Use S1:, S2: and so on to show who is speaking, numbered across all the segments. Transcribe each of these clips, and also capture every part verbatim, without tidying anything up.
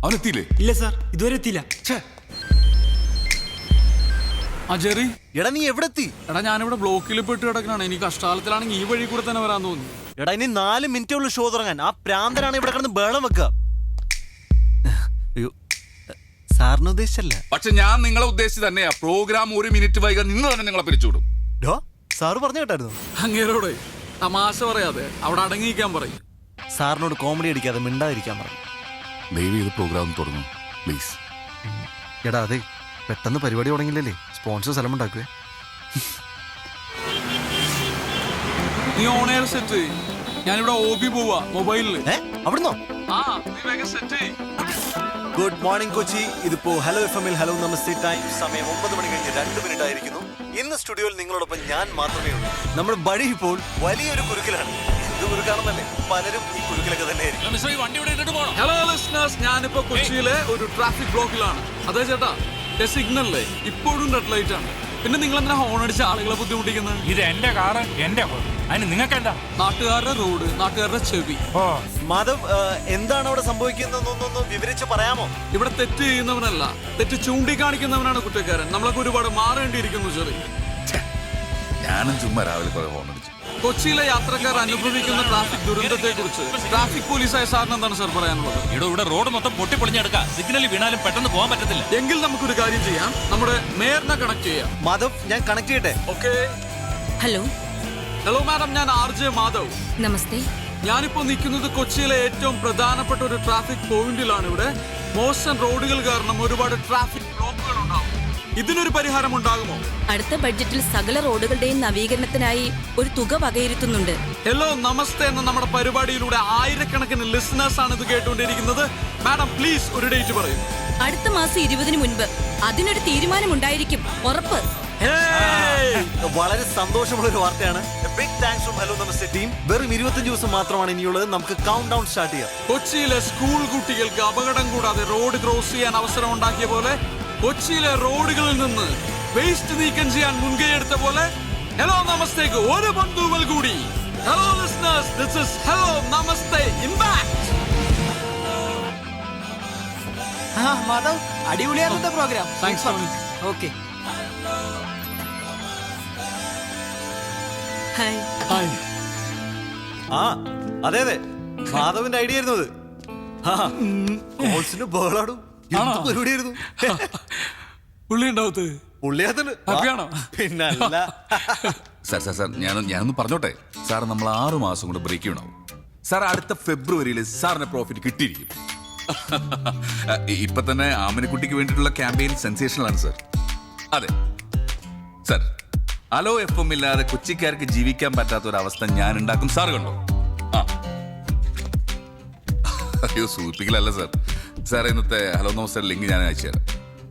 S1: അവനെത്തിയില്ലേ?
S2: ഇല്ല സാർ, ഇതുവരെ എത്തിയില്ല.
S3: ആ ജെറി,
S4: എടാ നീ എവിടെ എത്തി?
S3: എടാ ഞാനിവിടെ ബ്ലോക്കിൽ പെട്ട് കിടക്കണാണ്. എനിക്ക് കഷ്ടാലത്തിലാണെങ്കിൽ ഈ വഴി കൂടെ തന്നെ വരാൻ തോന്നി.
S4: എടാ ഇനി നാല് മിനിറ്റേ ഉള്ളൂ ഷോ തുടങ്ങാൻ. ആ പ്രാന്തനാണ് ഇവിടെ കിടന്ന് ബേളം വെക്കുക. അയ്യോ, സാറിന് ഉദ്ദേശിച്ചല്ല.
S1: പക്ഷെ ഞാൻ നിങ്ങളെ ഉദ്ദേശിച്ച് തന്നെയാ. പ്രോഗ്രാം ഒരു മിനിറ്റ് വൈകാൻ നിന്ന് തന്നെ നിങ്ങളെ പിരിച്ചുവിടും.
S4: സാറ് പറഞ്ഞു കേട്ടായിരുന്നു.
S3: അങ്ങേരോടെ തമാശ പറയാതെ അവിടെ അടങ്ങിയിരിക്കാൻ പറയും.
S4: സാറിനോട് കോമഡി അടിക്കാതെ മിണ്ടാതിരിക്കാൻ പറഞ്ഞു.
S1: ദയവ് ചെയ്ത് പ്രോഗ്രാം തുടങ്ങും പ്ലീസ്.
S4: എടാ അതെ, പെട്ടെന്ന് പരിപാടി തുടങ്ങില്ലല്ലേ, സ്പോൺസർ സ്ഥലം ഉണ്ടാക്കുവേ.
S3: നീ ഓൺ എയർ സെറ്റ്. ഞാനിവിടെ ഓബി പോവാ മൊബൈലില്.
S4: അവിടുന്നോ?
S3: ആ നീ വേഗം സെറ്റ്.
S4: Good morning Kochi. ഇതിപ്പോ ഹലോ എഫ് എമ്മിൽ ഹലോ നമസ്തേ ടൈം. സമയം ഒമ്പത് മണി കഴിഞ്ഞ് രണ്ട് മിനിറ്റ് ആയിരിക്കുന്നു. ഇന്ന് സ്റ്റുഡിയോയിൽ നിങ്ങളോടൊപ്പം ഞാൻ മാത്രമേ ഉള്ളൂ. നമ്മുടെ ബഡി ഇപ്പോൾ വലിയൊരു കുരുക്കിലാണ്. എന്ത് കുരുക്കാണെന്നല്ലേ, പലരും ഈ കുരുക്കിലൊക്കെ തന്നെ ആയിരിക്കും.
S3: ഹലോ ലിസണേഴ്സ്, ഞാനിപ്പോ കൊച്ചിയിലെ ഒരു ട്രാഫിക് ബ്ലോക്കിലാണ്. അതെ ചേട്ടാ, സിഗ്നലിലെ ഇപ്പോഴും റെഡ് ലൈറ്റ് ആണ്. പിന്നെ നിങ്ങൾ എന്തിനാ ഹോൺ അടിച്ച ആളുകളെ ബുദ്ധിമുട്ടിക്കുന്നത്?
S5: ഇത് എന്റെ കാറ്, എന്റെ അതിന് നിങ്ങൾക്ക് എന്താ?
S3: നാട്ടുകാരുടെ റോഡ്, നാട്ടുകാരുടെ ചെവി.
S4: മാധവ്, എന്താണ് അവിടെ സംഭവിക്കുന്നതെന്നൊന്ന് വിവരിച്ച് പറയാമോ?
S3: ഇവിടെ തെറ്റ് ചെയ്യുന്നവനല്ല, തെറ്റ് ചൂണ്ടിക്കാണിക്കുന്നവനാണ് കുറ്റക്കാരൻ. നമ്മളൊക്കെ ഒരുപാട് മാറേണ്ടിയിരിക്കുന്നു ചെറിയ.
S1: ഞാനും ചുമ്മാ രാവിലെ കുറെ ഹോൺ അടിച്ചു.
S3: കൊച്ചിയിലെ യാത്രക്കാർ അനുഭവിക്കുന്ന ട്രാഫിക് ദുരന്തത്തെ കുറിച്ച് ട്രാഫിക് പോലീസായ സാറിന് എന്താണ് സാർ പറയാനുള്ളത്?
S5: ഇവിടെ ഇവിടെ റോഡ് മൊത്തം പൊട്ടിപ്പൊളിഞ്ഞെടുക്കാം. സിഗ്നലിൽ വീണാലും പെട്ടെന്ന് പോകാൻ പറ്റത്തില്ല.
S3: എങ്കിൽ നമുക്കൊരു കാര്യം ചെയ്യാം, നമ്മുടെ മേയറിനെ കണക്ട് ചെയ്യാം.
S4: മാധവ്, ഞാൻ കണക്ട് ചെയ്യട്ടെ?
S3: ഓക്കെ.
S6: ഹലോ
S3: ഹലോ മാഡം, ഞാൻ ആർ ജെ മാധവ്.
S6: നമസ്തേ.
S3: ഞാനിപ്പോ നിൽക്കുന്നത് കൊച്ചിയിലെ ഏറ്റവും പ്രധാനപ്പെട്ട ഒരു ട്രാഫിക് പോയിന്റിലാണ്. ഇവിടെ മോശം റോഡുകൾ കാരണം ഒരുപാട് ട്രാഫിക് ബ്ലോക്കുകൾ ഉണ്ടാവും. ഇതിനൊരു പരിഹാരം ഉണ്ടാകുമോ?
S6: അടുത്ത ബഡ്ജറ്റിൽ സകല റോഡുകളുടെയും നവീകരണത്തിനായി ഒരു തുക വകയിരുത്തുന്നുണ്ട്.
S3: ഹലോ നമസ്തേ എന്ന നമ്മുടെ പരിപാടിയിലൂടെ ആയിരക്കണക്കിന് ലിസണേഴ്സ് ആണ് ഇത് കേട്ടുകൊണ്ടിരിക്കുന്നത്. മാഡം പ്ലീസ് ഒരു ഡേറ്റ് പറയൂ.
S6: അടുത്ത മാസം ഇരുപതിന് മുൻപ് അതിനൊരു തീരുമാനമുണ്ടായിരിക്കും, ഉറപ്പ്.
S4: വളരെ സന്തോഷമുള്ള ഒരു വാർത്തയാണ്. Big thanks from hello Namaste team. വെറും ഇരുപത്തഞ്ച് ദിവസം മാത്രമാണ് ഇനിയുള്ളത്. നമുക്ക് കൗണ്ട് ഡൗൺ സ്റ്റാർട്ട് ചെയ്യാം.
S3: കൊച്ചിയിലെ സ്കൂൾ കുട്ടികൾക്ക് അപകടം കൂടാതെ റോഡ് ക്രോസ് ചെയ്യാൻ അവസരം ഉണ്ടാക്കിയ പോലെ, കൊച്ചിയിലെ റോഡുകളിൽ നിന്ന് വേസ്റ്റ് നീക്കം ചെയ്യാൻ മുൻകൈ എടുത്ത പോലെ ഹലോ നമസ്തേക്ക് ഒരു ബന്ധുവൽ കൂടി. Hello listeners, this is hello Namaste impact.
S2: Madhav, അടിപൊളിയായിരുന്നു programme.
S3: Thanks Tony.
S2: Okay.
S6: Hi.
S3: Hi.
S4: ആ അതെ അതെ, മാധവിന്റെ ഐഡിയ ആയിരുന്നു അത്. ബഹളാടും പരിപാടിയായിരുന്നു.
S3: പുള്ളി ഉണ്ടാവത്ത്
S4: പുള്ളിയാത്തല്ലോ, പിന്നല്ല.
S1: സാർ സാർ സാർ ഞാൻ ഞാനൊന്ന് പറഞ്ഞോട്ടെ സാർ, നമ്മൾ ആറു മാസം കൊണ്ട് ബ്രേക്ക് ഉണ്ടാവും സാർ. അടുത്ത ഫെബ്രുവരിയിൽ സാറിന് പ്രോഫിറ്റ് കിട്ടിയിരിക്കും. ഇപ്പൊ തന്നെ ആമിനക്കുട്ടിക്ക് വേണ്ടിയിട്ടുള്ള ക്യാമ്പയിൻ സെൻസേഷണൽ ആണ് സാർ. അതെ സാർ, ഹലോ എഫ് എം ഇല്ലാതെ കൊച്ചിക്കാർക്ക് ജീവിക്കാൻ പറ്റാത്ത ഒരു അവസ്ഥ ഞാൻ ഉണ്ടാക്കും. സാർ കണ്ടോ? ആ അയ്യോ, സൂചിപ്പിക്കലല്ല സാർ. സാർ ഇന്നത്തെ ഹലോ നമസ്തേ ലിങ്ക് ഞാൻ അയച്ചു തരാം.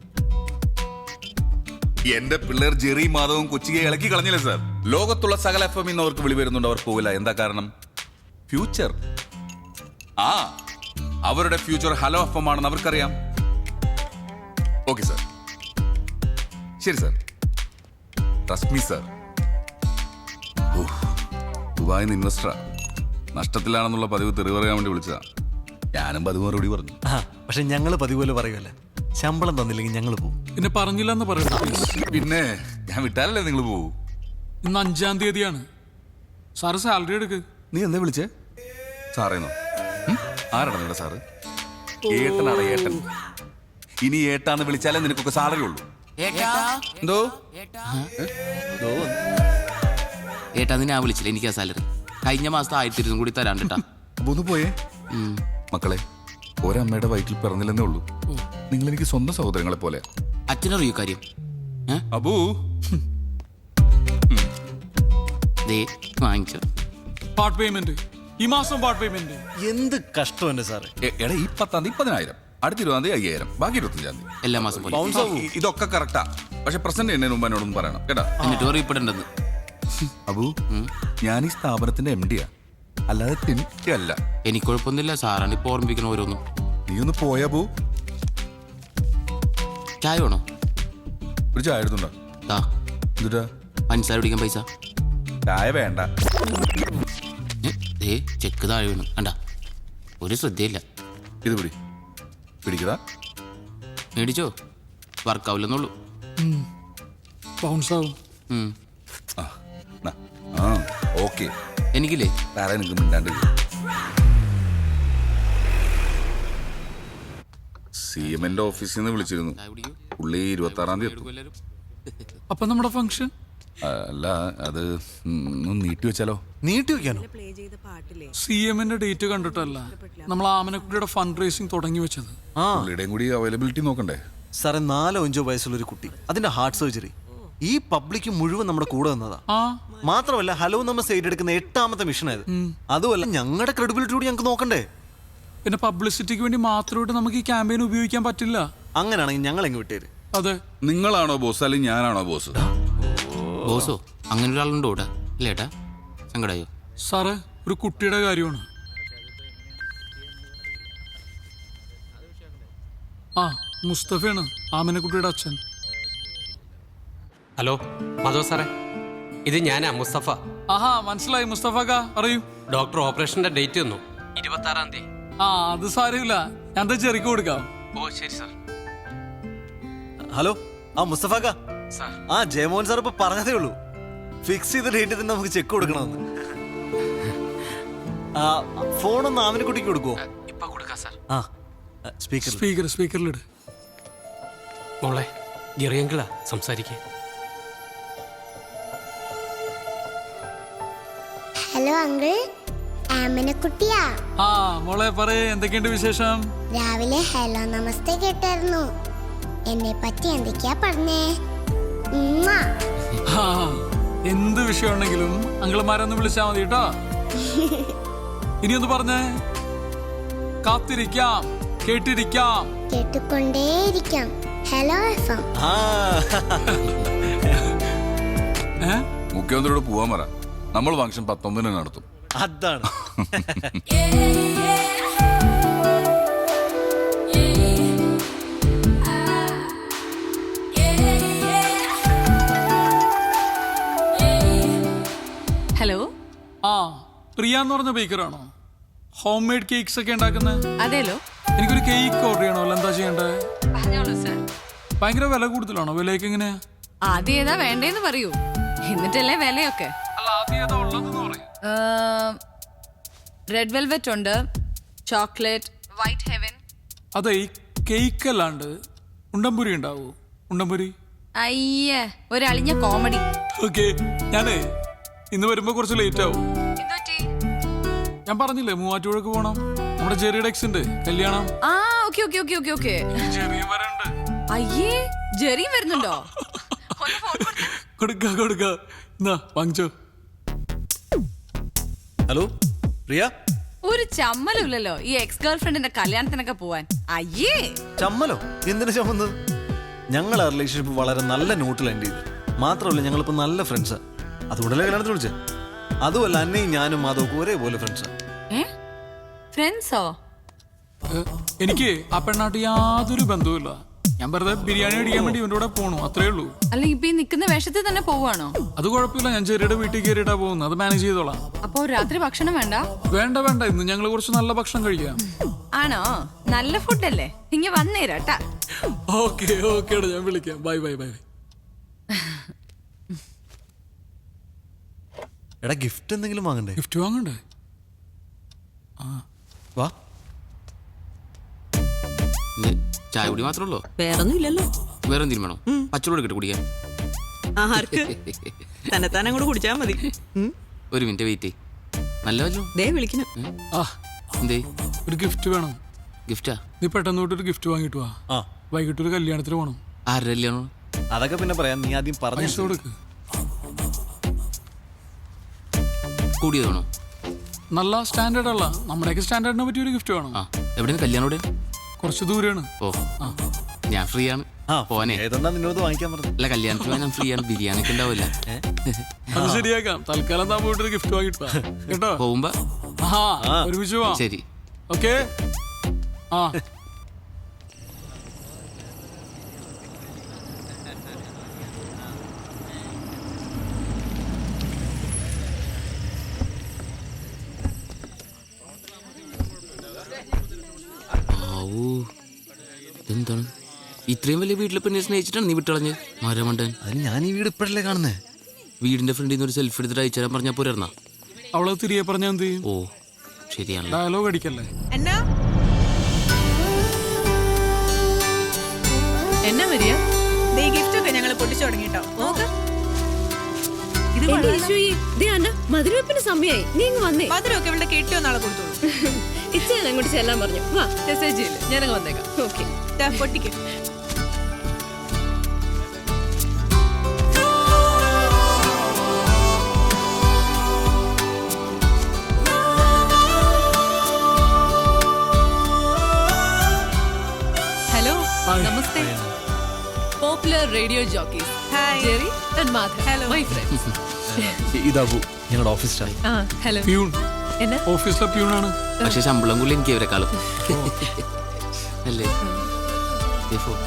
S1: എന്റെ പിള്ളേർ ജെറി മാധവും കൊച്ചിയെ ഇളക്കി കളഞ്ഞില്ലേ സാർ. ലോകത്തുള്ള സകല എഫ് എം ഇന്ന് അവർക്ക് വിളി വരുന്നുണ്ട്, അവർ പോകില്ല. എന്താ കാരണം? ഫ്യൂച്ചർ. ആ അവരുടെ ഫ്യൂച്ചർ ഹലോ എഫ് എം ആണെന്ന് അവർക്കറിയാം. ഓക്കെ സാർ, ശരി സാർ. Trust me sir. ദുബായിൽ നിന്ന് ഇൻവെസ്റ്ററാ, നഷ്ടത്തിലാണെന്നുള്ള പതിവ് തെറി പറയാൻ വേണ്ടി വിളിച്ചതാ. ഞാനും പതിവ് മറുപടി പറഞ്ഞു.
S4: പക്ഷെ ഞങ്ങള് പതിപോലെ പറയുമല്ല, ശമ്പളം തന്നില്ലെങ്കിൽ ഞങ്ങൾ പോകും.
S3: പിന്നെ പറഞ്ഞില്ലെന്ന് പറയുന്നത്.
S1: പിന്നെ ഞാൻ വിട്ടാലല്ലേ നിങ്ങൾ പോകൂ.
S3: ഇന്ന് അഞ്ചാം തീയതിയാണ്. സാറ് സാലറി എടുക്ക്.
S1: നീ എന്താ വിളിച്ചേ? സാറേന്നോ? ആരാണ് നിങ്ങളുടെ സാറ്? ഏട്ടനാണ് ഏട്ടൻ. ഇനി ഏട്ടാന്ന് വിളിച്ചാലേ നിനക്കൊക്കെ സാലറി ഉള്ളൂ. എന്തോ
S7: ഏട്ടാ, നിന്നെ ആ വിളിച്ചില്ല, എനിക്ക് ആ സാലറി കഴിഞ്ഞ മാസത്തെ ആയിരത്തി ഇരുന്നൂറ് കൂടി തരാണ്ടിട്ടാ.
S1: അപ്പൊ ഒന്ന് പോയേ മക്കളെ. ഒരമ്മയുടെ വയറ്റിൽ പിറന്നില്ലെന്നേ ഉള്ളൂ. നിങ്ങൾ എനിക്ക് സ്വന്തം സഹോദരങ്ങളെ പോലെ.
S7: അച്ഛനറിയോ കാര്യം?
S1: അബൂ
S7: വാങ്ങിച്ചു
S3: പാർട്ട് പേയ്മെന്റ് ഈ മാസം. പാർട്ട് പേയ്മെന്റ്
S4: എന്ത് കഷ്ടം എന്റെ സാറ്.
S1: എടാ, ഈ പത്താം തീയതി പതിനായിരം, അടുത്ത ഇരുപതാം തീയതി അയ്യായിരം, ബാക്കി ഇരുപത്തഞ്ചാം തീയതി
S7: എല്ലാ മാസം പോലെ.
S1: ഇതൊക്കെ കറക്റ്റാ. പക്ഷെ പ്രസന്റ് ചെയ്യുന്നതിന് മുമ്പ് എന്നോടൊന്നും പറയണം കേട്ടാ.
S7: എന്നിട്ട് അറിയപ്പെടേണ്ടത്
S1: അബു, ഞാൻ ഈ സ്ഥാപനത്തിന്റെ എം ഡിയാ, അല്ലാതെ തിനിക്കല്ല.
S7: എനിക്ക് കുഴപ്പമൊന്നുമില്ല, സാറാണ് ഇപ്പൊ ഓർമ്മിപ്പിക്കണ ഓരോന്നും.
S1: നീ ഒന്ന് പോയാ ബു.
S7: ചായ വേണോ?
S1: ഒരു ചായ എടുത്തുണ്ടോ? എന്നിട്ടാ
S7: പഞ്ചസാര പിടിക്കാൻ പൈസ?
S1: ചായ വേണ്ട.
S7: ചെക്ക് താഴെ വീണു കണ്ട, ഒരു ശ്രദ്ധയില്ല.
S1: ഇത് പിടി. പിടിക്കടാ.
S7: മേടിച്ചോ, വർക്കാവില്ലെന്നുള്ളൂ.
S3: ബൗൺസ് ആവും.
S7: ഉം.
S1: ആ നാ. ആ ഓക്കെ.
S7: എനിക്കില്ലേ
S1: വേറെ എനിക്ക് മിണ്ടാണ്ട് സി എമ്മിന്റെ ഓഫീസിൽ നിന്ന് വിളിച്ചിരുന്നു. പുള്ളി ഇരുപത്തി ആറാം തീയതി എത്തും.
S3: അപ്പൊ നമ്മുടെ ഫംഗ്ഷൻ
S1: അല്ല അത് ഒന്ന് നീട്ടി വെച്ചാലോ?
S4: നീട്ടി വെക്കാനോ?
S3: സി എമ്മിന്റെ ഡേറ്റ് കണ്ടിട്ടല്ല, നമ്മൾ ആമനക്കുട്ടിയുടെ ഫണ്ട് റേസിംഗ് തുടങ്ങി വെച്ചത്.
S4: ആ
S1: പുള്ളിയുടെയും കൂടി അവൈലബിലിറ്റി നോക്കണ്ടേ?
S4: സാറേ, നാലോ അഞ്ചോ വയസ്സുള്ള ഒരു കുട്ടി, അതിന്റെ ഹാർട്ട് സർജറി, ഈ പബ്ലിക് മുഴുവൻ നമ്മുടെ കൂടെ നിന്നതാ.
S3: ആ
S4: മാത്രമല്ല ഹലോ നമ്മൾ സൈഡ് എടുക്കുന്ന എട്ടാമത്തെ മിഷൻ ആയത്. അതുമല്ല ഞങ്ങളുടെ ക്രെഡിബിലിറ്റി കൂടി ഞങ്ങൾക്ക് നോക്കണ്ടേ?
S3: പിന്നെ പബ്ലിസിറ്റിക്ക് വേണ്ടി മാത്രമായിട്ട് നമുക്ക് ഈ ക്യാമ്പയിൻ ഉപയോഗിക്കാൻ പറ്റില്ല.
S4: അങ്ങനെയാണെങ്കിൽ ഞങ്ങൾ എങ്ങ് വിട്ടേര്.
S3: അതെ.
S1: നിങ്ങളാണോ ബോസ് അല്ലെങ്കിൽ ഞാനാണോ ബോസ്?
S7: ബോസോ? അങ്ങനെ ഒരാളുണ്ടോ ഇവിടെ? ഇല്ല ഏട്ടാ, സങ്കടായോ?
S3: സാറ്, ഒരു കുട്ടിയുടെ കാര്യമാണ്. ആ മുസ്തഫയാണ്, ആമനക്കുട്ടിയുടെ അച്ഛൻ.
S8: ഹലോ മാധവ് സാറേ, ഇത് ഞാനാ മുസ്തഫ.
S3: ആഹാ, മനസ്സിലായി മുസ്തഫക്ക, അറിയൂ.
S8: ഡോക്ടർ ഓപ്പറേഷന്റെ ഡേറ്റ് തന്നു, ഇരുപത്തി ആറാം തീയതി.
S3: ആ അത് സാരമില്ല, ഞാൻ ചെറിക്ക് കൊടുക്കാം.
S8: ഓ ശരി സാർ.
S4: ഹലോ, ആ മുസ്തഫാക്ക.
S8: സാർ.
S4: ആ ജയമോഹൻ സാർ ഇപ്പൊ പറഞ്ഞതേ ഉള്ളൂ, ഫിക്സ് ചെയ്ത ഡേറ്റ് തന്നെ നമുക്ക് ചെക്ക് കൊടുക്കണമെന്ന്. ആ ഫോണൊന്ന് ആമിനക്കുട്ടിക്ക് കൊടുക്കുവോ?
S8: ഇപ്പൊ കൊടുക്കാം സാർ.
S4: ആ സ്പീക്കർ
S3: സ്പീക്കർ സ്പീക്കറിലിട്.
S8: മോളെ, ജെറിയങ്കിളാ സംസാരിക്കേ.
S9: Hello uncle, ആമനക്കുട്ടിയാ.
S3: ആ മോളെ പറയേ, എന്തൊക്കെയുണ്ട് വിശേഷം?
S9: രാവിലെ ഹലോ നമസ്തേ കേട്ടായിരുന്നു. എന്നെ പറ്റി എന്തൊക്കെയാ പറഞ്ഞേ? ഉമ്മ.
S3: ആ, എന്ത് വിഷയമുണ്ടെങ്കിലും അങ്കിളുമാരൊന്ന് വിളിച്ചാ മതി കേട്ടോ. ഇനി ഒന്ന് പറഞ്ഞേ. കാത്തിരിക്കാം, കേട്ടിരിക്കാം,
S9: കേട്ടുകൊണ്ടേയിരിക്കാം. Hello F M.
S4: ആ
S3: ഏ
S1: മുഖ്യമന്ത്രിയോട് പോവാൻ പറ, നമ്മൾ ഫംഗ്ഷൻ പത്തൊമ്പതിന് നടത്തും.
S4: അതാണ്.
S6: ഹലോ.
S3: ആ പ്രിയ എന്ന് പറഞ്ഞ ബേക്കറാണോ? ഹോം മെയ്ഡ് കേക്ക്സ് ഒക്കെ ഉണ്ടാക്കുന്നത്?
S6: അതേലോ.
S3: എനിക്കൊരു കേക്ക് ഓർഡർ ചെയ്യണമല്ലോ, എന്താ ചെയ്യണ്ടേ?
S6: പറഞ്ഞോളൂ സർ.
S3: ഭയങ്കര വില കൂടുതലാണോ? വിലയൊക്കെ എങ്ങനെയാ?
S6: ആദ്യം ഏതാ വേണ്ടേന്ന് പറയൂ, എന്നിട്ടല്ലേ വിലയൊക്കെ.
S3: അല്ല, ആദ്യം ഏതാ ഉള്ളതെന്ന് പറയും.
S6: റെഡ് വെൽവെറ്റ് ഉണ്ട്, ചോക്ലേറ്റ്, വൈറ്റ് ഹെവൻ.
S3: അതെ, ഈ കേക്ക് അല്ലാണ്ട് ഉണ്ടംപുരി ഉണ്ടാവോ? ഉണ്ടംപുരി.
S6: അയ്യേ, ഒരു അളിഞ്ഞ കോമഡി.
S3: ഓക്കെ, ഞാനേ ഇന്ന് വരുമ്പോ കുറച്ച് ലേറ്റ് ആവും. ഞാൻ പറഞ്ഞില്ലേ മൂവാറ്റുപുഴക്ക് പോണം, നമ്മുടെ ജെറിയുടെ എക്സിന്റെ കല്യാണം.
S6: ആ okay okay okay okay okay.
S3: ജെറിയും വരണ്ട്.
S6: അയ്യേ, ജെറിയും വരുന്നുണ്ടോ?
S3: കൊടുക്ക കൊടുക്ക, എന്നാ വാങ്ങിച്ചോ.
S4: ഹലോ പ്രിയ.
S6: ഒരു ചമ്മലുമില്ലല്ലോ ഈ എക്സ് ഗേൾ ഫ്രണ്ടിന്റെ കല്യാണത്തിനൊക്കെ പോവാൻ. അയ്യേ,
S4: ചമ്മലോ? എന്തിനു ചമ്മന്നത്? ഞങ്ങൾ ആ റിലേഷൻഷിപ്പ് വളരെ നല്ല നോട്ടിൽ എൻഡ് ചെയ്തു. മാത്രമല്ല ഞങ്ങളിപ്പോ നല്ല ഫ്രണ്ട്സാ, അതുകൊണ്ടല്ലേ കല്യാണത്തിന് വിളിച്ചേ. അതുമല്ല അന്നയും ഞാനും മാധവക്കും ഒരേപോലെ ഫ്രണ്ട്സാ.
S6: ഫ്രണ്ട്സോ?
S3: എനിക്ക് ആ പെണ്ണാട്ട് യാതൊരു ബന്ധവുമില്ല. ഞാൻ വെറുതെ ബിരിയാണി അടിക്കാൻ വേണ്ടി ഇവന്റെ കൂടെ പോണു, അത്രേ ഉള്ളൂ.
S6: അല്ല, ഇപ്പൊ ഈ നിക്കുന്ന വേഷത്തിൽ തന്നെ പോവാണോ?
S3: അത് കുഴപ്പമില്ല, ഞാൻ ചെറിയുടെ വീട്ടിൽ കയറിയിട്ടാ പോകുന്നത്, അത് മാനേജ് ചെയ്തോളാം.
S6: അപ്പൊ രാത്രി ഭക്ഷണം വേണ്ട?
S3: വേണ്ട വേണ്ട, ഇന്ന് ഞങ്ങൾ കുറച്ച് നല്ല ഭക്ഷണം കഴിക്കാം.
S6: ആണോ? നല്ല ഫുഡല്ലേ, ഇങ്ങ വന്നേരാട്ടാ.
S3: ഓക്കെ ഓക്കെ, ഞാൻ വിളിക്കാം. Bye bye bye.
S4: എടാ ഗിഫ്റ്റ് എന്തെങ്കിലും വാങ്ങണ്ടേ?
S3: ഗിഫ്റ്റ് വാങ്ങണ്ടേ?
S4: വാ.
S7: ഇന്ന് ചായ കുടി മാത്രമേ ഉള്ളൂ?
S2: വേറൊന്നും ഇല്ലല്ലോ.
S7: വേറെ എന്തെങ്കിലും വേണോ? പച്ചവെള്ളം എടുക്കട്ടെ കുടിക്കാൻ?
S2: ആർക്ക്? തന്നെ തന്നെ കൂടെ കുടിച്ചാ മതി.
S7: ഒരു മിനിറ്റ് വെയിറ്റ്. നല്ല വല്ലോ
S2: ദേ വിളിക്കണം.
S3: ആ
S7: എന്തേ?
S3: ഒരു ഗിഫ്റ്റ് വേണം.
S7: ഗിഫ്റ്റാ?
S3: നീ പെട്ടെന്ന് തൊട്ട് ഒരു ഗിഫ്റ്റ് വാങ്ങിട്ട് വാ.
S4: ആ
S3: വൈകിട്ട് ഒരു കല്യാണത്തിന് പോണം.
S7: ആരുടെ കല്യാണം?
S4: അതൊക്കെ പിന്നെ പറയാം, നീ ആദ്യം പറഞ്ഞു
S3: പൈസ കൊടുക്ക്.
S7: കൂടിയതാണോ?
S3: നല്ല സ്റ്റാൻഡേർഡ് അല്ല, നമ്മുടെയൊക്കെ സ്റ്റാൻഡേർഡിനെ പറ്റിയ ഒരു ഗിഫ്റ്റ് വേണം.
S7: ആ എവിടെയാണ് കല്യാണം? എവിടെ?
S3: കുറച്ച് ദൂരെയാണ്.
S7: ഓ ഞാൻ ഫ്രീ ആണ്.
S4: ആ
S7: പോനെ.
S4: ഏതെന്നാ നിന്നോട് വാങ്ങിക്കാൻ പറഞ്ഞു?
S7: അല്ല, കല്യാണത്തിന് ഞാൻ ഫ്രീ ആണ്. ബിരിയാണി ഒക്കെ ഉണ്ടാവില്ല.
S3: അത് ശരിയാക്കാം. തൽക്കാലം താൻ പോയിട്ട് ഒരു ഗിഫ്റ്റ് വാങ്ങിട്ട് വാ കേട്ടോ.
S7: പോകുമ്പോ
S3: ആ ഒരുമിച്ച് പോവാം.
S7: ശരി.
S3: ഓക്കെ. ആ
S7: എന്താണ് ഇത്രയും വലിയ വീട്ടിലെ പെണ്ണെ സ്നേഹിച്ചിട്ടാണ് നീ വിട്ടളഞ്ഞ് മരമണ്ടൻ?
S4: അതിന് ഞാൻ ഈ വീട് ഇപ്പോഴല്ലേ കാണുന്നേ.
S7: വീടിന്റെ ഫ്രണ്ടിൽ നിന്ന് ഒരു സെൽഫി എടുത്തിട്ട് അയച്ചു തരാൻ പറഞ്ഞാൽ പോരാ?
S3: അവളെ തിരികെ പറഞ്ഞാൽ എന്ത് ചെയ്യും?
S7: ഓ ശരിയാണ്.
S3: ഡയലോഗ് അടിക്കല്ലേ.
S2: എന്നാ എന്നാ വരിക? ദേ ഗിഫ്റ്റ് ഒക്കെ ഞങ്ങൾ പൊട്ടിച്ചു തുടങ്ങിട്ടോ. നോക്ക്, ഇത്
S6: മധുരവെപ്പിന് സമയായി, നീ ഇങ്ങ് വന്നേ.
S2: മധുരമൊക്കെ ഇവിടെ കെട്ടിയോ നാളെ കൊടുത്തോളൂ.
S6: ഇച്ചയാണ് അങ്ങോട്ട് ചെല്ലാൻ പറഞ്ഞു. വാ
S2: മെസ്സേജ് ചെയ്യില്ല, ഞാനങ്ങ് വന്നേക്കാം.
S6: ഓക്കെ.
S2: പൊട്ടിക്ക്. Hello, Namaste.
S6: Popular radio jockeys
S2: hi.
S6: Jerry and Madhav,
S2: hello.
S6: My friends.
S4: ഇതാബു, ഞങ്ങളുടെ ഓഫീസ് സ്റ്റാഫ്.
S6: ആ ഹലോ.
S3: പ്യൂൺ,
S6: എന്നാ
S3: ഓഫീസിലെ പ്യൂണാണ്.
S7: പക്ഷെ ശമ്പളം കൂടി എനിക്ക് ഇവരെക്കാളും അല്ലേ? ദേ ഫോട്ടോ.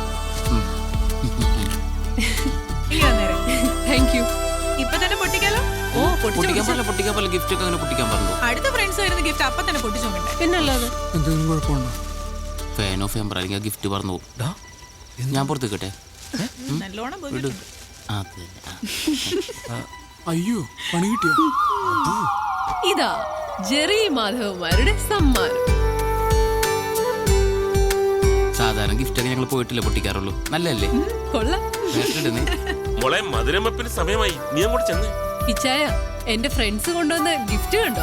S2: ഇനി വന്നേരം.
S6: Thank you.
S2: ഇപ്പൊ തന്നെ പൊട്ടിക്കാലോ. ഓ
S7: പൊട്ടിക്കാൻ പോലെ പൊട്ടിക്കാൻ പോലെ ഗിഫ്റ്റ് ഒക്കെ അങ്ങനെ പൊട്ടിക്കാൻ പറഞ്ഞു.
S2: അടുത്ത ഫ്രണ്ട്സ് വരുന്ന ഗിഫ്റ്റ് അപ്പൊ തന്നെ പൊട്ടിച്ചു നോക്കണ്ടേ?
S6: പിന്നല്ലാതെ.
S3: എന്തെങ്കിലും കുഴപ്പമുണ്ടോ?
S7: ഫാൻ ഓഫ് ചെയ്യാൻ അല്ലെങ്കിൽ ഗിഫ്റ്റ് പറഞ്ഞു പോകും. ഞാൻ പുറത്തേക്കട്ടെ?
S2: നല്ലോണം പോയി.
S7: വിടും. അതെ.
S3: അയ്യോ, പണി കിട്ടിയോ?
S6: ഇതാ ജെറി മാധവന്മാരുടെ സമ്മാനം.
S7: സാധാരണ ഗിഫ്റ്റ് ഒക്കെ ഞങ്ങൾ പോയിട്ടില്ല പൊട്ടിക്കാറുള്ളൂ. നല്ലല്ലേ?
S6: കൊള്ളാം.
S5: മോളെ മധുരമപ്പിന് സമയമായി, നീ അങ്ങോട്ട് ചെന്നേ.
S6: ഇച്ചായ, എന്റെ ഫ്രണ്ട്സ് കൊണ്ടുവന്ന ഗിഫ്റ്റ് കണ്ടോ?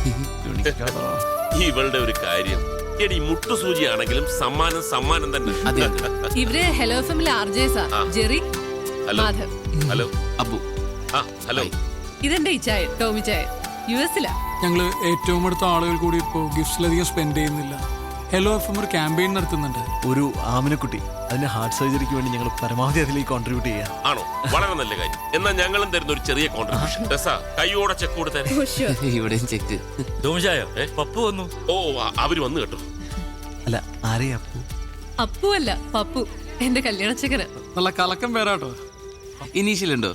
S5: ഇവളുടെ ഒരു കാര്യം, എടി മുട്ടുസൂചിയാണെങ്കിലും സമ്മാനം സമ്മാനം തന്നെ.
S7: അതെ.
S6: ഇവര് ഹലോ എഫ്എമ്മിലെ ആർജേസാ. Jerry,
S5: hello.
S6: Madhav.
S5: Hello.
S7: Abu.
S5: ആ ഹലോ.
S6: ഇതെന്റെ ഇച്ചായ ടോമി ചായ, യു എസിലാ.
S3: ഞങ്ങള് ഏറ്റവും അടുത്ത ആളുകൾ കൂടി ഇപ്പോ ഗിഫ്റ്റ്സിലധികം സ്പെൻഡ് ചെയ്യുന്നില്ല. ഹലോ എഫ് എം ഒരു ക്യാമ്പയിൻ നടത്തുന്നുണ്ട്.
S4: ഒരു ആമിനക്കുട്ടി, അതിന്റെ ഹാർട്ട് സർജറിക്ക് വേണ്ടി ഞങ്ങൾ പരമാവധി അതിലേക്ക് കോൺട്രിബ്യൂട്ട് ചെയ്യാം.
S5: ആണോ? വളരെ നല്ല കാര്യം. എന്നാൽ ഞങ്ങളും തരുന്ന ഒരു ചെറിയ കോൺട്രിബ്യൂഷൻ. രസാ, കൈയോടെ ചെക്ക് കൊടുത്തേ.
S7: ഇവിടെയും ചെക്ക്.
S5: പപ്പു വന്നു. ഓ, ആ, അവര് വന്നു കേട്ടോ.
S4: അല്ല, ആരെയാ അപ്പു?
S6: അപ്പു അല്ല, പപ്പു, എന്റെ കല്യാണച്ചക്കന.
S3: നല്ല കലക്കം പേരാട്ടോ.
S7: ഇനീഷ്യൽ ഉണ്ടോ?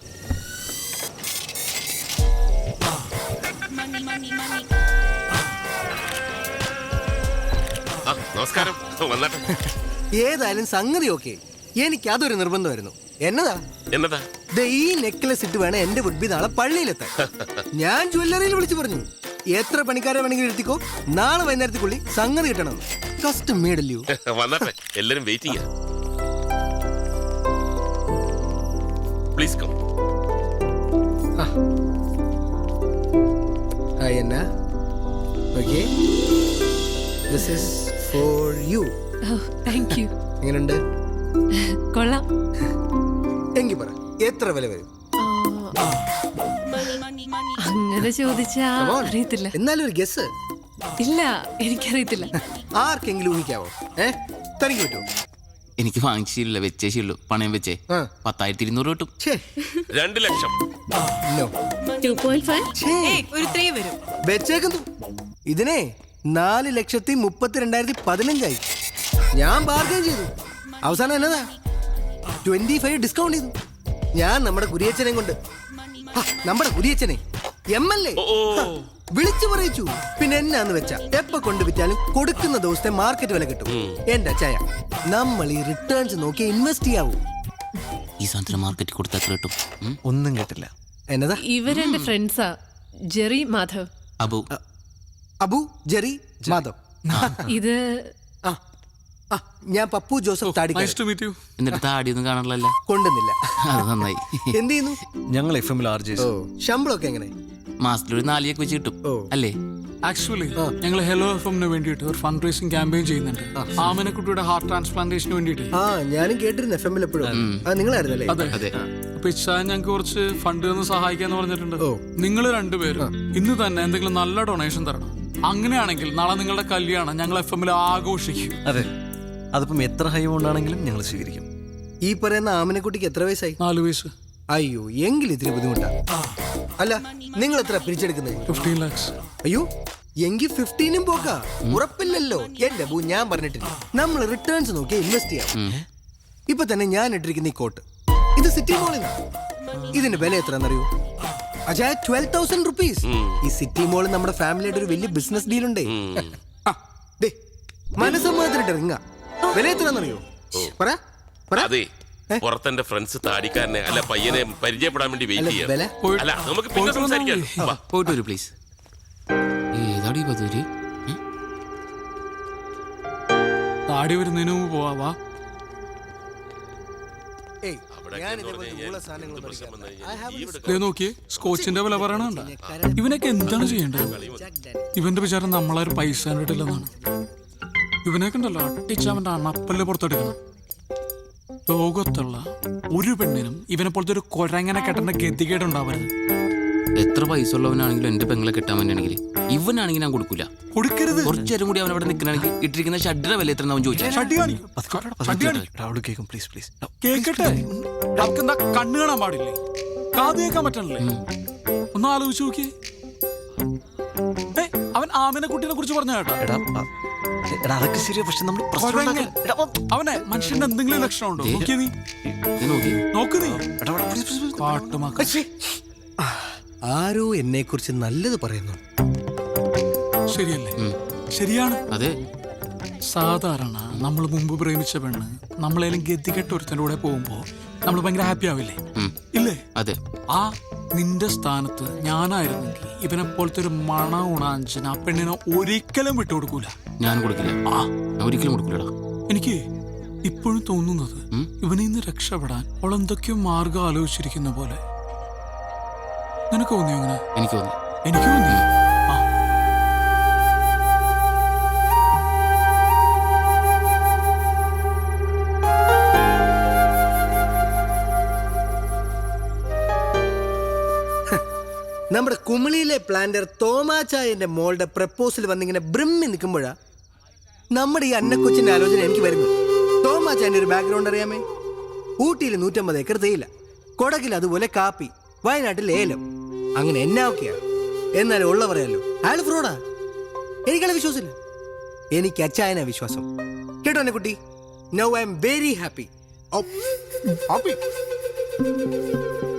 S5: ആ നമസ്കാരം, വന്നാട്ടെ.
S10: ഏതായാലും സംഗതി ഓക്കെ. എനിക്ക് അതൊരു നിർബന്ധമായിരുന്നു. എന്നതാ
S5: എന്നതാ?
S10: ദേ ഈ നെക്ലസ് ഇട്ട് വേണം എന്റെ വുഡ്ബി നാളെ പള്ളിയിലെത്താൻ. ഞാൻ ജ്വല്ലറിയിൽ വിളിച്ചു പറഞ്ഞു, എത്ര പണിക്കാരെ വേണമെങ്കിലും എടുത്തിക്കോ, നാളെ വൈകുന്നേരത്തേക്കുള്ളി സംഗതി കിട്ടണം. കസ്റ്റം മേഡല്ലോ.
S5: വന്നാട്ടെ, എല്ലാരും waiting. Please come.
S10: Hi Anna. Okay, this is for you.
S6: Thank you.
S10: എങ്ങനെയുണ്ട്?
S6: കൊള്ളാം.
S10: എങ്കി പറ, എത്ര വില വരും?
S6: അങ്ങനെ ചോദിച്ചാ
S10: Come on.
S6: അറിയത്തില്ല.
S10: എന്നാലും ഒരു ഗസ്.
S6: ഇല്ല, എനിക്കറിയത്തില്ല.
S10: ആർക്കെങ്കിലും ഊഹിക്കാവോ? ഏ തനിക്ക് പറ്റുമോ?
S7: എനിക്ക് വാങ്ങിച്ചില്ല, വെച്ചേ ശീലു. പണയം വെച്ചേ
S10: ആ.
S7: പത്തായിരത്തി ഇരുന്നൂറ് കിട്ടും.
S10: ഛേ,
S5: രണ്ട് ലക്ഷം.
S10: no.
S6: Two point five.
S10: ഛേ,
S2: ഏയ് ഒരു ത്രീ വരും.
S10: വെച്ചേക്കുന്നു. ഇതിനെ നാല് ലക്ഷത്തി മുപ്പത്തി രണ്ടായിരത്തി പതിനഞ്ചായി. ഞാൻ ബാർഗൈൻ ചെയ്തു. അവസാനം എന്നതാ ട്വന്റി ഫൈവ് ഡിസ്കൗണ്ട് ചെയ്തു. ഞാൻ നമ്മുടെ കുരിയച്ചനെ കൊണ്ട് ആ, നമ്മുടെ കുരിയച്ചനെ എം എൽ എ
S5: ഓ, ഓ.
S10: വിളിച്ചു പറയിച്ചു. പിന്നെ എന്നാന്ന് വെച്ചാ എപ്പ കൊണ്ട് വിറ്റാലും കൊടുക്കുന്ന ദിവസത്തെ മാർക്കറ്റ് വില കിട്ടും. എന്റെ അച്ചായ, നമ്മൾ ഈ റിട്ടേൺസ് നോക്കി ഇൻവെസ്റ്റ് ചെയ്യാവൂ.
S7: ഈ സാധനത്തിന് മാർക്കറ്റിൽ കൊടുത്താൽ എത്ര കിട്ടും? ഉം?
S4: ഒന്നും കേട്ടില്ല.
S10: എന്നതാ?
S6: ഇവരെന്റെ ഫ്രണ്ട്സാ, ജെറി മാധവ്.
S7: അബു.
S10: അബു, ജെറി, മാധവ്.
S6: ഇത്
S10: ആ, ആ, ഞാൻ പപ്പു ജോസഫ് താടി
S3: നൈസ് ടു മീറ്റ് യു.
S7: എന്നിട്ട് താടിയൊന്നും കാണാറില്ല.
S10: കൊണ്ടുന്നില്ല.
S7: അത് നന്നായി.
S10: എന്ത് ചെയ്യുന്നു?
S4: ഞങ്ങൾ എഫ് എമ്മിൽ ആർ ജെ.
S10: ഓ, ശമ്പളമൊക്കെ എങ്ങനെ?
S7: മാസത്തിൽ ഒരു നാലിയൊക്കെ വെച്ച് കിട്ടും
S10: ഓ.
S7: അല്ലേ?
S3: ആക്ച്വലി ഞങ്ങൾ ഹലോ എഫ് എമ്മിന് വേണ്ടിയിട്ട് ഒരു ഫണ്ട് റേസിംഗ് ക്യാമ്പയിൻ ചെയ്യുന്നുണ്ട്. ആമനക്കുട്ടിയുടെ ഹാർട്ട് ട്രാൻസ്പ്ലാന്റേഷന് വേണ്ടിയിട്ട്.
S10: ആ, ഞാനും കേട്ടിരുന്നു എഫ് എമ്മിൽ എപ്പോഴും. ആ, നിങ്ങളായിരുന്നല്ലേ?
S3: അതെ.
S7: അതെ.
S3: അപ്പൊ ഇച്ചാൻ ഞങ്ങൾക്ക് കുറച്ച് ഫണ്ട് തന്ന് സഹായിക്കാന്ന് പറഞ്ഞിട്ടുണ്ട്.
S10: ഓ.
S3: നിങ്ങൾ രണ്ടുപേരും ഇന്ന് തന്നെ എന്തെങ്കിലും നല്ല ഡൊണേഷൻ തരണം. അങ്ങനെയാണെങ്കിൽ നാളെ നിങ്ങളുടെ കല്യാണം ഞങ്ങൾ എഫ് എമ്മിൽ ആഘോഷിക്കും.
S4: അതെ, അതിപ്പം എത്ര ഹൈ കൊണ്ടാണെങ്കിലും ഞങ്ങൾ സ്വീകരിക്കും.
S10: ഈ പറയുന്ന ആമനക്കുട്ടിക്ക് എത്ര വയസ്സായി?
S3: നാല് വയസ്സ്.
S10: അയ്യോ, എങ്കിൽ ഇത്തിരി ബുദ്ധിമുട്ടാ. അല്ല, നിങ്ങൾ എത്ര പിരിച്ചെടുക്കുന്നത്?
S3: ഫിഫ്റ്റീൻ ലാക്സ്.
S10: അയ്യോ, എങ്കിൽ ഫിഫ്റ്റീനും പോക്കാ. ഉറപ്പില്ലല്ലോ. എന്റെ ബൂ, ഞാൻ പറഞ്ഞിട്ടില്ല, നമ്മൾ റിട്ടേൺസ് നോക്കി ഇൻവെസ്റ്റ് ചെയ്യാം. ഇപ്പൊ തന്നെ ഞാൻ ഇട്ടിരിക്കുന്ന ഈ കോട്ട്, ഇത് സിറ്റി മോളിൽ. ഇതിന്റെ വില എത്രയെന്നറിയോ? അജാ, ട്വൽവ് തൗസൻഡ് റുപ്പീസ്. ഈ സിറ്റി മോളിൽ നമ്മുടെ ഫാമിലിയുടെ ഒരു വലിയ ബിസിനസ് ഡീൽ ഉണ്ടേ. മനസ്സമ്മതത്തിനിട്ട് റിങ്ങ. വില എത്രയാണെന്നറിയോ? പറ പറ.
S5: അതെ
S10: ഏ?
S5: പുറത്തെന്റെ ഫ്രണ്ട്സ് താടിക്കാരനെ അല്ല പയ്യനെ പരിചയപ്പെടാൻ വേണ്ടി വെയിറ്റ്
S10: അല്ല, വില?
S5: ചെയ്യാം അല്ല നമുക്ക് പിന്നെ സംസാരിക്കാം വാ.
S7: പോയിട്ട് വരൂ പ്ലീസ്. ഏതാടി ഈ ബദൂരി? ഏ?
S3: താടി വരുന്നതിന് മുമ്പ് പോവാ.
S10: ഏയ്,
S5: അവിടെ
S10: ഞാൻ
S5: എന്ന്
S10: ഇതേപോലത്തെ
S5: പറഞ്ഞ്
S10: ഉള്ള
S5: കഴിഞ്ഞാൽ
S10: സാധനങ്ങളൊന്നും
S5: പ്രശ്നം വന്നു
S10: കഴിക്കാറില്ല.
S5: കഴിഞ്ഞാൽ
S10: I have
S5: ഈ
S10: a
S5: ഇവിടെ
S3: ദേ നോക്കിയേ സ്കോച്ചിന്റെ വില പറയണണ്ട. ഇവനൊക്കെ എന്താണ് ചെയ്യേണ്ടത്? ഇവന്റെ വിചാരം നമ്മളാരും പൈസ കണ്ടിട്ടില്ലെന്നാണ്. ഇവനൊക്കെ ഉണ്ടല്ലോ അട്ടിച്ച് അവന്റെ അണപ്പല്ല് പുറത്തെടുക്കണം. ലോകത്തുള്ള ഒരു പെണ്ണിനും ഇവനെ പോലത്തെ ഒരു കൊരങ്ങനെ കെട്ടേണ്ട ഗതികേടുണ്ടാവരുത്.
S7: എത്ര പൈസ ഉള്ളവനാണെങ്കിലും എന്റെ പെങ്ങളെ കെട്ടാൻ വേണ്ടിയാണെങ്കിൽ ഇവനാണെങ്കിൽ ഞാൻ കൊടുക്കൂല.
S3: കൊടുക്കരുത്.
S7: കുറച്ചേരം കൂടി അവൻ അവിടെ നിൽക്കണമെങ്കിൽ ഇട്ടിരിക്കുന്ന ഷഡ്ഡിയുടെ വില എത്ര അവൻ ചോദിച്ചാൽ
S3: ഷട്ടി കാണിക്കും. ഷട്ടി കാണിക്കും.
S10: അവിടെ കേൾക്കും പ്ലീസ് പ്ലീസ്.
S3: കേക്കട്ടെ. എന്താ കണ്ണ് കാണാൻ പാടില്ലേ? കാത് കേൾക്കാൻ പറ്റണല്ലേ? ഒന്ന് ആലോചിച്ച് നോക്കിയേ. ഏ, അവൻ ആമിനെ കുട്ടീനെ കുറിച്ച് പറഞ്ഞ കേട്ടോ.
S4: എടാ ആ, എടാ അതൊക്കെ ശരിയാ, പക്ഷെ നമ്മൾ പ്രശ്നം
S3: കൊരങ്ങൻ.
S4: ഉണ്ടാക്കരുത്. എടാ, ഓ,
S3: അവനെ മനുഷ്യന്റെ എന്തെങ്കിലും ലക്ഷണം ഉണ്ടോ? നോക്കിയേ നീ.
S7: നീ നോക്കി.
S3: നോക്ക് നീ.
S4: എടാ, എടാ, please, please, please.
S3: കാട്ടുമാക്ക.
S10: ആരോ എന്നെ കുറിച്ച് നല്ലത് പറയുന്നു.
S3: ശരിയല്ലേ?
S7: ഉം.
S3: ശരിയാണ്.
S7: അതെ
S3: സാധാരണ നമ്മൾ മുമ്പ് പ്രേമിച്ച പെണ്ണ് നമ്മളേലും ഗതികെട്ട ഒരുത്തൻ്റെ കൂടെ പോകുമ്പോ നമ്മൾ ഭയങ്കര ഹാപ്പി ആവില്ലേ?
S7: ഉം.
S3: ഇല്ലേ?
S7: അതെ
S3: ആ നിന്റെ സ്ഥാനത്ത് ഞാനായിരുന്നെങ്കിൽ ഇവനെ പോലത്തെ ഒരു മണ ഉണാഞ്ചൻ ആ പെണ്ണിനെ ഒരിക്കലും വിട്ടുകൊടുക്കൂല.
S7: ഞാൻ കൊടുക്കില്ല.
S3: ആ
S7: ഞാൻ ഒരിക്കലും കൊടുക്കില്ലടാ.
S3: എനിക്ക് ഇപ്പോഴും തോന്നുന്നത്
S7: ഉം?
S3: ഇവനിൽ നിന്ന് രക്ഷപ്പെടാൻ അവൾ എന്തൊക്കെയോ മാർഗം ആലോചിച്ചിരിക്കുന്ന പോലെ. നിനക്ക് തോന്നിയോ അങ്ങനെ?
S7: എനിക്ക് തോന്നി.
S3: എനിക്ക് തോന്നി. ആ
S10: നമ്മുടെ കുമിളിയിലെ പ്ലാന്റർ തോമാച്ചായന്റെ മോളുടെ പ്രപ്പോസൽ വന്നിങ്ങനെ ബ്രിമ്മി നിൽക്കുമ്പോഴാ നമ്മുടെ ഈ അന്നക്കൊച്ചിന്റെ ആലോചന എനിക്ക് വരുന്നത്. തോമാച്ചായന്റെ ഒരു ബാക്ക്ഗ്രൗണ്ട് അറിയാമേ? ഊട്ടിയിൽ നൂറ്റമ്പത് ഏക്കർ തേയില, കൊടകിൽ അതുപോലെ കാപ്പി, വയനാട്ടിൽ ഏലം, അങ്ങനെ എന്നാ ഒക്കെയാ. എന്നാലും ഉള്ള പറയാലോ, അയാൾ ഫ്രോഡാ. എനിക്കയാളെ വിശ്വാസമില്ല. എനിക്ക് അച്ചായനാ വിശ്വാസം. കേട്ടോ എന്നെ കുട്ടി? Now I am very happy. Happy